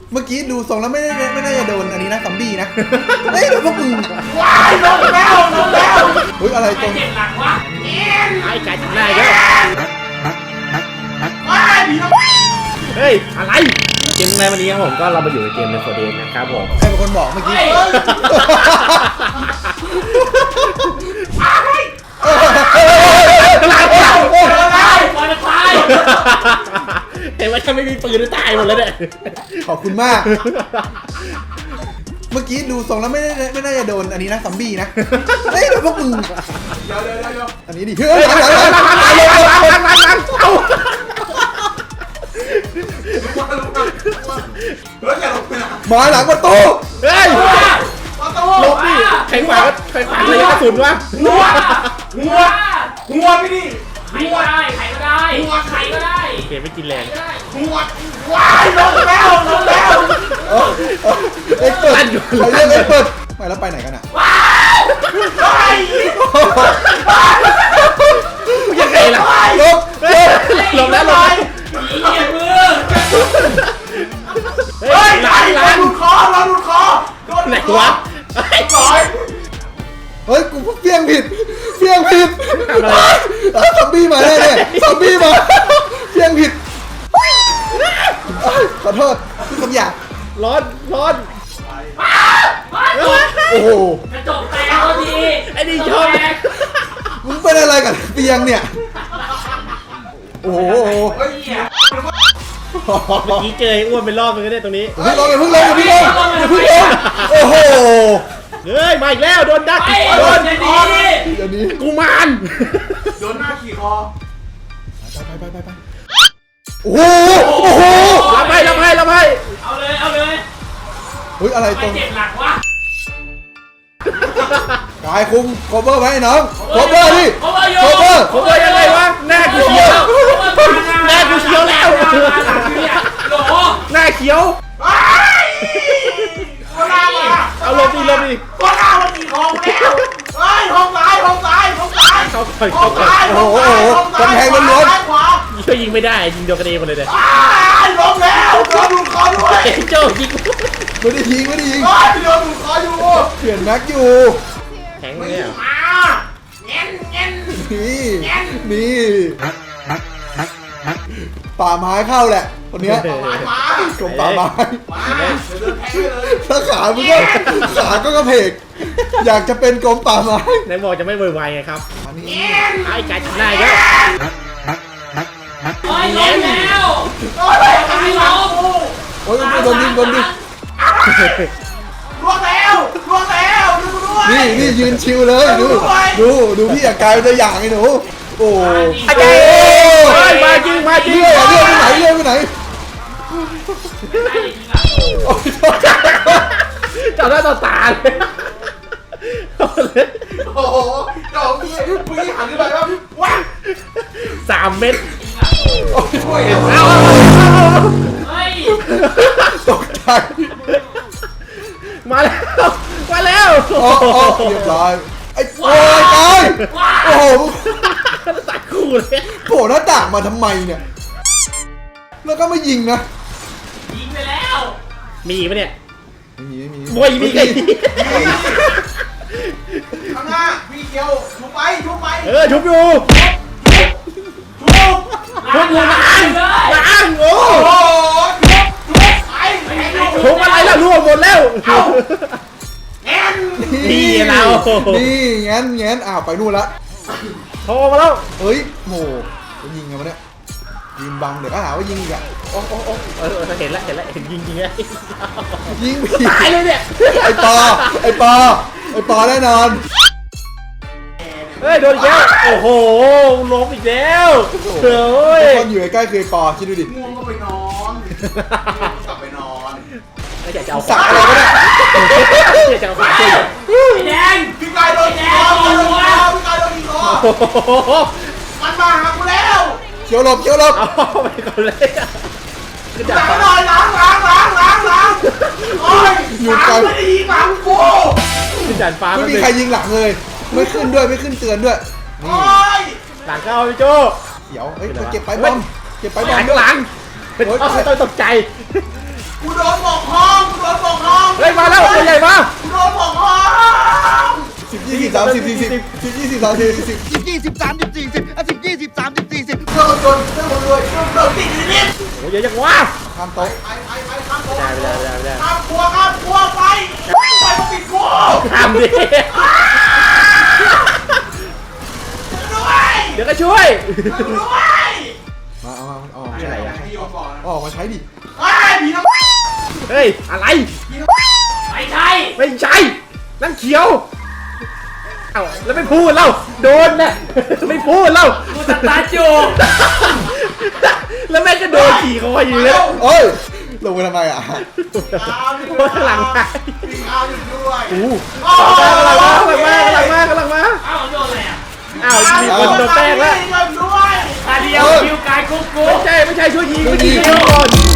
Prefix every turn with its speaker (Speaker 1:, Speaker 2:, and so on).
Speaker 1: เมื่อกี้ดูทรงแล้วไม่น่าจะโดนอันนี้นะซอมบี้นะเฮ้ยโดนพวกมึง
Speaker 2: ว้ายลงแล้ว
Speaker 1: เฮ้ยอะไรตรง
Speaker 2: เจ็บหลังวะ
Speaker 3: ไอ้กายจับได้เยอะ
Speaker 2: ว้ายผีน้ำ
Speaker 3: เฮ้ยอะไรเกมในวันนี้ครับผมก็เรามาอยู่ในเกมในโฟเดนนะครับผม
Speaker 1: ใครเป็นคนบอกเมื่อกี้
Speaker 3: เห็นว่าถ้าไม่มีปืนตายหมดแล้วเนี่ย
Speaker 1: ขอบคุณมาก เมื่อกี้ดูทรงแล้วไม่น่าจะโดนอันนี้นะซอมบี้นะเฮ้ยโดนพวกมึง
Speaker 2: เดี๋ยว
Speaker 1: อันนี้ดิเฮ้ย
Speaker 2: อย่าลงไปนะ
Speaker 1: มาหลังประตู
Speaker 3: เฮ้ย
Speaker 2: ประตู
Speaker 3: ลบดิใครขวางระยะกระสุนวะ
Speaker 2: หัวพี่ดิ
Speaker 4: ใครก็ได้ใครก็ได้ใครก็ได้
Speaker 3: เกมไม่กินแรง
Speaker 2: หัวว้ายลงแล้ว
Speaker 1: เอ็กเปิดใครเรียกเอ็กเปิดไปแล้วไปไหนกันอ่ะ
Speaker 3: ยังไงล่ะ
Speaker 1: ลบ
Speaker 3: หลบแล้วหลบ
Speaker 4: ผีเหยียบมือ
Speaker 3: เฮ้ยหลัง
Speaker 2: เราดูคอโดน
Speaker 3: ไหนวะ
Speaker 2: ร้อย
Speaker 1: เฮ้ยกูเพี้ยงผิดซอมบี้มาแน่ๆซอมบี้มาเพี้ยงผิดขอโทษที่คำหยาบ
Speaker 3: ร้อน
Speaker 1: โอ้โห
Speaker 4: กระจกแตกพอดี
Speaker 3: ไอ้นี่ชอบ
Speaker 1: มึงเป็นอะไรกับเตียงเนี่ยโอ้โห
Speaker 2: เฮ้ยเหี้ย
Speaker 3: เมื่อกี้เจออ้วนเป็นรอบนึงก็ได้ตรงนี้
Speaker 1: อย่าเพิ่งลงโอ้โห
Speaker 3: เฮ้ยมาอีกแล้วโดนดัก
Speaker 4: ไอ้
Speaker 3: โด
Speaker 4: โด
Speaker 3: น
Speaker 4: นจะดี
Speaker 1: เดี๋ยวนี้
Speaker 3: กูมาน
Speaker 2: โดนหน้าขี่คอ
Speaker 1: ไปโอ้โห
Speaker 3: รับให้
Speaker 4: เอาเลย
Speaker 1: เฮ้ยอะไร
Speaker 4: ใค
Speaker 1: ต
Speaker 4: ร
Speaker 1: รง
Speaker 4: เจ็บหลังวะ
Speaker 1: กายคุมโคเวอร์ไว้น้องโคเวอร์ดิ
Speaker 4: โคเวอร์โย
Speaker 1: โคเวอร์
Speaker 3: ผมว่ายังไงวะหน้ากูเขียว แม่กูเขียวแล้ว
Speaker 4: โหล
Speaker 3: หน้าเขียว
Speaker 2: คนหน้ามา
Speaker 3: เอาลบดิ
Speaker 2: คนหน้ามันขี่คอแล้วเฮ้ยห้องซ้าย
Speaker 3: เข้าก่อน
Speaker 1: โอ้โหกำแพงล้วน
Speaker 2: ขวา
Speaker 3: ช่วยยิงไม่ได้ยิงโดนกระเด็นหมดเลยเนี่ย
Speaker 2: ลงแล้วโดนดูดคอด้วย
Speaker 3: เอ้ยโจ้ยิง
Speaker 1: ไม่ได้ยิง
Speaker 2: โดนดูดคออยู่
Speaker 1: เปลี่ยนแม็กอยู่
Speaker 3: แข็งเลยอ่ะ
Speaker 2: มาเงี้ย
Speaker 1: นี่ป่าไม้เข้าแหละคนเนี้ย
Speaker 2: มาก
Speaker 1: รมป่าไม้
Speaker 2: มาเดินแทงเลย
Speaker 1: ถ้าขามึงก็กระเพกอยากจะเป็นกรมป่าไม้
Speaker 3: ไหนบอกจะไม่เวอร์ไวไงครับ
Speaker 1: อันนี้
Speaker 3: ไอ้กายจับได้เยอะ
Speaker 4: โอ้ยล้มแล้ว
Speaker 2: โอ้ย
Speaker 4: ตายล้ม
Speaker 1: โอ้ยโดนยิง
Speaker 2: ล่วงแล้วดูด้วย
Speaker 1: นี่ยืนชิวเลยดูพี่อยากกลายเป็นตัวอย่างไอ้หนูโอ้
Speaker 3: อาจารย์เฮ้ยมาจริง
Speaker 1: เลื่อยไปไหน
Speaker 3: จับได้ต่อตาเลย
Speaker 2: โอ้โหเจ้าพี่หันขึ้นไปว่าว้า
Speaker 3: 3 เม็ด
Speaker 2: ช่วย
Speaker 3: เอา
Speaker 4: เฮ้ย
Speaker 1: ตกใจ
Speaker 3: มาแล้ว
Speaker 1: เรียบร้อยไอ้โอ้ยตายโอ้โห
Speaker 3: ตัดคู่เลย
Speaker 1: โผล่หน้าต่างมาทำไมเนี่ยแล้วก็ไม่ยิงนะ
Speaker 4: ยิงไปแล้ว
Speaker 3: มีอีกปะเนี่ย
Speaker 1: ไม่มี
Speaker 3: มวยมีไง
Speaker 2: ข้างหน้าพี่เกียวชุบไป
Speaker 3: ชุบอยู่
Speaker 2: ชุบ
Speaker 3: ล้างโอ้
Speaker 2: โอ้โหชุบไป
Speaker 3: ชุบอะไรล่ะล่วงหมดแล้ว
Speaker 2: แอน
Speaker 3: นี่เรา
Speaker 1: นี่งั้นไปนู่นละ
Speaker 3: โทรมาแล้ว
Speaker 1: เฮ้ยโหยิงไงวะเนี่ยยิงบังเดี๋ยวก็หาว่ายิงอีกอะ
Speaker 3: โอ้เห็นแล้วเห็นยิงไง
Speaker 1: ยิงผี
Speaker 3: ตายเลยเนี่ย
Speaker 1: ไอ้ปอแน่นอน
Speaker 3: เฮ้ยโดนอีกแล้วโอ้โหล้มอีกแล้วเฮ้ย
Speaker 1: คนอยู่ใกล้ๆคือไอ้ปอคิดดูดิ
Speaker 2: ง่วงก็ไปนอนกลับไปนอน
Speaker 3: ไม่อยากจะเอา
Speaker 1: สักอะไรก็ได้
Speaker 3: อยากจะเอาฝาช่วย
Speaker 4: ไอ้แดง
Speaker 2: พี่กายโดนขี่คอพี่กายโดนขี่คอ
Speaker 3: โอ้โห
Speaker 2: มันมาหากูแล้ว
Speaker 1: เขียวหลบ
Speaker 3: เอาไปก่อนเลยคือ
Speaker 2: จั
Speaker 3: จั
Speaker 2: บบ หน่อยล้างโอ้ยไม่ดีฟังกู
Speaker 3: คือจันฟ้า
Speaker 1: ไม่มีใครยิงหลังเลย ไม่ขึ้นเตือนด้วยนี่
Speaker 2: โอ้ย
Speaker 3: หลังเข้าพี่โจ
Speaker 1: เขียวเก็บไปบอม
Speaker 3: หลังต้องตกใจ
Speaker 2: กูโดนบอก
Speaker 3: มาแล้วตัวใหญ่มา
Speaker 2: โดนผมคอ
Speaker 1: 10 20 30 40 10 20 30 40
Speaker 5: 10 20 30 40 10 20 30 40
Speaker 2: โดนโดนโดนเลยโดนติดอยู่นิด
Speaker 3: โอ้ยเยอะจังวะ
Speaker 1: ข้ามโต๊ะ
Speaker 2: ไปข้ามโต๊ะ
Speaker 3: ไม่ได้
Speaker 2: ข้ามครัวไปมาปิดครัว
Speaker 3: ทำดิ
Speaker 2: ด้วย
Speaker 3: เดี๋ยวก็ช่วย
Speaker 2: ด้วย
Speaker 1: มาเอาออก
Speaker 3: อะไรอ่ะ
Speaker 2: ให้โยนก่อน
Speaker 1: ออกมาใช้ดิ
Speaker 2: ไอ้ผีน้อง
Speaker 3: เฮ้ยอะไร
Speaker 4: ไม่ใช่
Speaker 3: ไม่ใช่นั่นเขียวเอ้าแล้วไม่พูดเล่าโดนน่ะไม่พูดเล่า
Speaker 4: กูสตาร์ทอยู่
Speaker 3: แล้วแม่งก็โดนขี่คออยู่เลย
Speaker 1: เอ้ยลงไปทำไมอ่ะ
Speaker 3: โดนข้างหลังไป
Speaker 2: มีข้าวอยู่ด้วย
Speaker 3: อู้
Speaker 2: โอ้
Speaker 3: กำลังมา
Speaker 4: เอ้าโดนอะไรอ่ะ
Speaker 3: อ้าวมีคนโดนแป้งแล้ว
Speaker 2: ด้วย
Speaker 4: ตาเดียวคิวกายกุ๊กกุ๊ก
Speaker 3: ไม่ใช่ช่วยยิงก่อน